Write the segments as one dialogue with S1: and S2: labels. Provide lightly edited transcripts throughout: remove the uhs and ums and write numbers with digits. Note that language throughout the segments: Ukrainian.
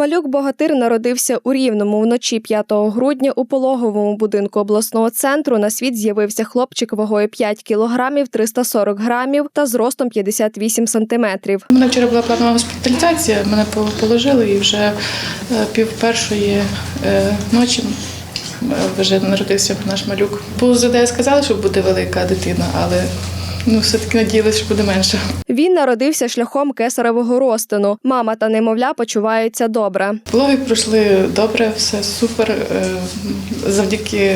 S1: Малюк-богатир народився у Рівному. Вночі 5 грудня у пологовому будинку обласного центру на світ з'явився хлопчик вагою 5 кілограмів 340 грамів та зростом 58 сантиметрів.
S2: У мене вчора була планова госпіталізація, мене положили і вже пів першої ночі вже народився наш малюк. По ЗД сказали, що буде велика дитина, але все-таки надіялися, що буде менше.
S1: Він народився шляхом кесаревого розтину. Мама та немовля почуваються добре.
S2: Пологи пройшли добре, все супер. Завдяки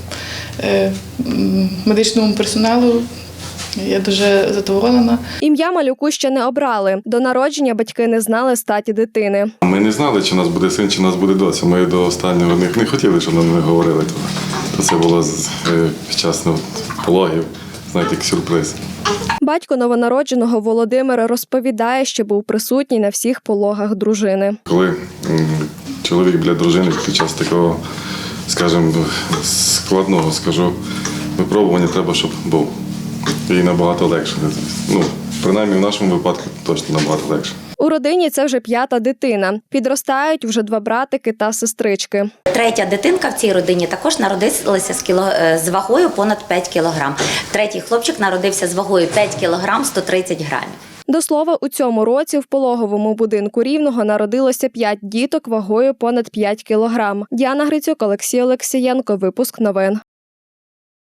S2: медичному персоналу я дуже задоволена.
S1: Ім'я малюку ще не обрали. До народження батьки не знали статі дитини.
S3: Ми не знали, чи у нас буде син, чи у нас буде доця. Ми до останнього не хотіли, щоб нам не говорили. То це було під час пологів, знаєте, як сюрприз.
S1: Батько новонародженого Володимир розповідає, що був присутній на всіх пологах дружини.
S3: Коли чоловік біля дружини під час такого, скажімо, складного, випробування треба, щоб був. І набагато легше. Принаймні в нашому випадку точно набагато легше.
S1: У родині це вже 5-та дитина. Підростають вже 2 братики та сестрички.
S4: 3-я дитинка в цій родині також народилася з вагою понад 5 кілограм. 3-й хлопчик народився з вагою 5 кілограм 130 грамів.
S1: До слова, у цьому році в пологовому будинку Рівного народилося 5 діток вагою понад 5 кілограм. Діана Грицюк, Олексій Олексієнко. Випуск новин.